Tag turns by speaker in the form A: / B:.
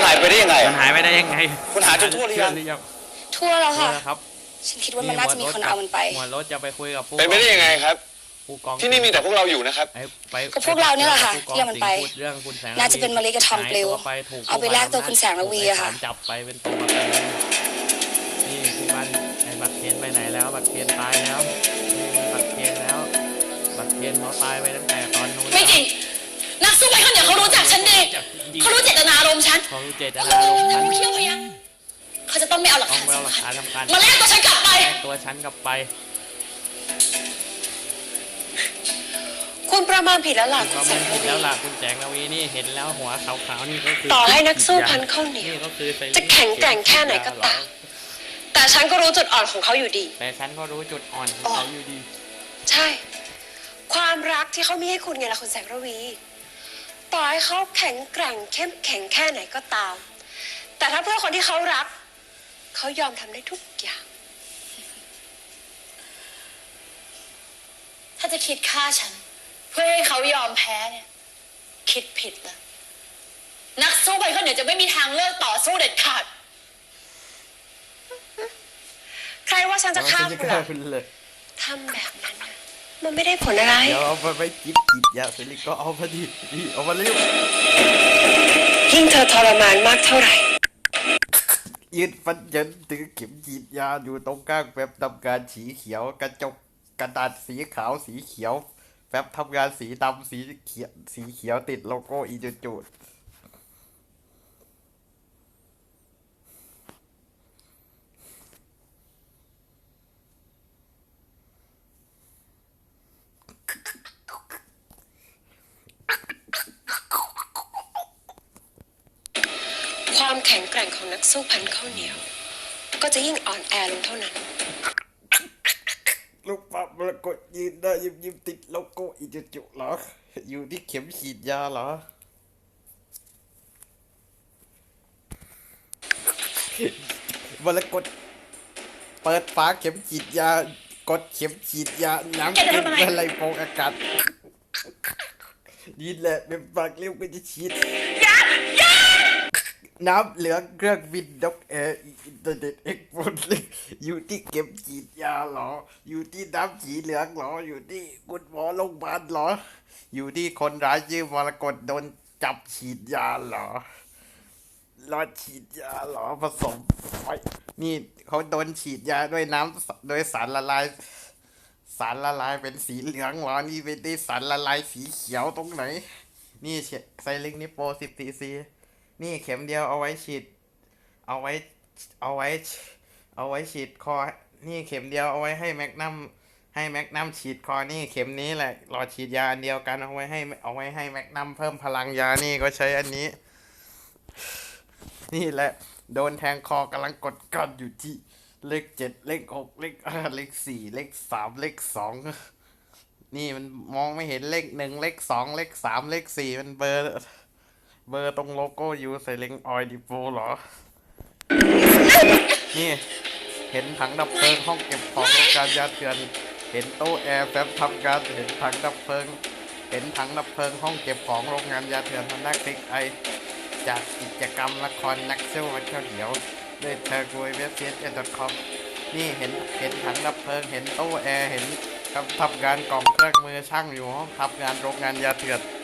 A: หายไปได้ยังไง
B: มันหายไปได้ยังไง
A: คุณหาจนทั่วหรือยัง
C: ทั่วแล้วค่ะ
B: ครับ
C: ฉันคิดว่ามันน่าจะมีคนเอามันไป
B: หัวรถจะไปคุยกับผู้
A: เป็นไปได้ยังไงครับ
B: ผู้กอง
A: ที่นี่มีแต่พวกเราอยู่นะครับ
C: ก็พวกเราเนี่ยแหละค่ะที่เอามันไป
B: เรื่องคุณแสง
C: น่าจะเป็นมะลิกับทอมปลิวเอาไปแลกตัวคุณแสงระวีอะค่ะ
B: จับไปเป็นตัวประกันนี่ผู้พันไอ้บัตรเคนไปไหนแล้วบัตรเคนตายแล้วนี่บัตรเคนแล้วบัตรเคนเขาตายไปตั้งแต่ตอนนู้น
C: ไม่จริงนักสู้ไปคนเดียวเขารู้จักฉันดีเขารู้เจตนารมณ์ฉัน
B: เขารู้เจตนารมณ์ฉัน
C: เที่ยวพยักเขาจะต้องไม่เอาหลัก
B: ต้อง
C: ฐาน
B: ไปเอาหลัก
C: สำคัญ
B: ฐานสำคัญ
C: มาแลกตัวฉันกลับไป
B: แลกตัวฉันกลับไป
D: คุณประมาณผิดแล้วล่ะ
B: ก็
D: คุณแส
B: ไม่
D: ง
B: ผิ
D: ระ
B: ด
D: วี
B: แล้วล่ะคุณแสงระวีนี่เห็นแล้วหัวขาวๆนี่ก็คือ
D: ต่อให้นักสู้พันข้าวเหนียว
B: นี่ก็คือ
D: จะแข็งแกร่งแค่ไหนก็ตาม แต่ฉันก็รู้จุดอ่อนของเขาอยู่ดี
B: แต่ฉันก็รู้จุดอ่อนของเขาอยู่ดี
D: ใช่ ความรักที่เขามีให้คุณไงล่ะคุณแสงระวี ต่อให้เขาแข็งแกร่งเข้มแข็งแค่ไหนก็ตาม แต่ถ้าเพื่อคนที่เขารัก เขายอมทำได้ทุกอย่าง
C: ถ้าจะคิดฆ่าฉัน เพื่อให้เขายอมแพ้เนี่ย คิดผิดแล้วนักสู้ไปคนเดียวจะไม่มีทางเลือกต่อสู้เด็ดขาด
D: ใครว่าฉันจะฆ่าคุณล่ะ
B: เลย
D: ทำแบบนั้นน่ะมันไม่ได้ผลอะไร
B: เดี๋ยวเอาไปกินกินยาเสร็จแล้วก็เอาพอดีนี่เอามาเร็ว
D: ยิ่งเธอทรมานมากเท่าไหร่
B: ยืนฟันยันถือเข็มฉีดยาอยู่ตรงกลางแบบทำการสีเขียวกระจกกระดาษสีขาวสีเขียวแป๊บทำงานสีดำสีเขียวติดโลโก้อีจูด
D: ความแข็งแกร่งของนักสู้พันข้าวเหนียว ก็จะยิ่งอ่อนแอลงเท่านั้น
B: ลูกปั๊บมรกตยืนได้ยิ้มติดโลโก้อีจูดเหรออยู่ที่เข็มฉีดยาเหรอมรกตเปิดฝาเข็มฉีดยากดเข็มฉีดยาน้ำขึ้นอะไรโปงอากาศนี่แหละเป็นปากเลี้ยวก็จะฉีดน้ำเหลืองเครื่องบินนกแอร์อินเทอร์เน็ตเอ็กโฟนเลยอยู่ที่เข็มฉีดยาเหรออยู่ที่น้ำสีเหลืองเหรออยู่ที่คุณหมอโรงพยาบาลเหรออยู่ที่คนร้ายชื่อมรกตโดนจับฉีดยาเหรอรอฉีดยาเหรอผสมไฟนี่เขาโดนฉีดยาด้วยน้ำโดยสารละลายเป็นสีเหลืองเหรอนี่เป็นได้สารละลายสีเขียวตรงไหนนี่ไซลิงนี่โปร10 cc นี่เข็มเดียวเอาไว้ฉีดเอาไว้ฉีดคอนี่เข็มเดียวเอาไว้ให้แมกนัมฉีดคอนี่เข็มนี้แหละหลอดฉีดยาอันเดียวกันเอาไว้ให้แมกนัมเพิ่มพลังยานี่ก็ใช้อันนี้นี่แหละโดนแทงคอกำลังกดก้อนอยู่ที่เลข7เลข6เลข4เลข3เลข2นี่มันมองไม่เห็นเลข1เลข2เลข3เลข4มันเบอร์ตรงโลโก้ยูใส่เลงออยดิโปเหรอนี่เห็นถังดับเพลิงห้องเก็บของโรงการยาเถื่อนเห็นโต๊ะแอร์แฟบทำการเห็นถังดับเพลิงห้องเก็บของโรงงานยาเถื่อนมันนักคลิกไอจากกิจกรรมละครนักสู้วันข้าวเหนียวด้วยเธอกุยเว็บไซต์.com นี่เห็นถังดับเพลิงเห็นโต๊ะแอร์เห็นทำงานกล่องเครื่องมือช่างอยู่ห้องทำงานโรงงานยาเถื่อน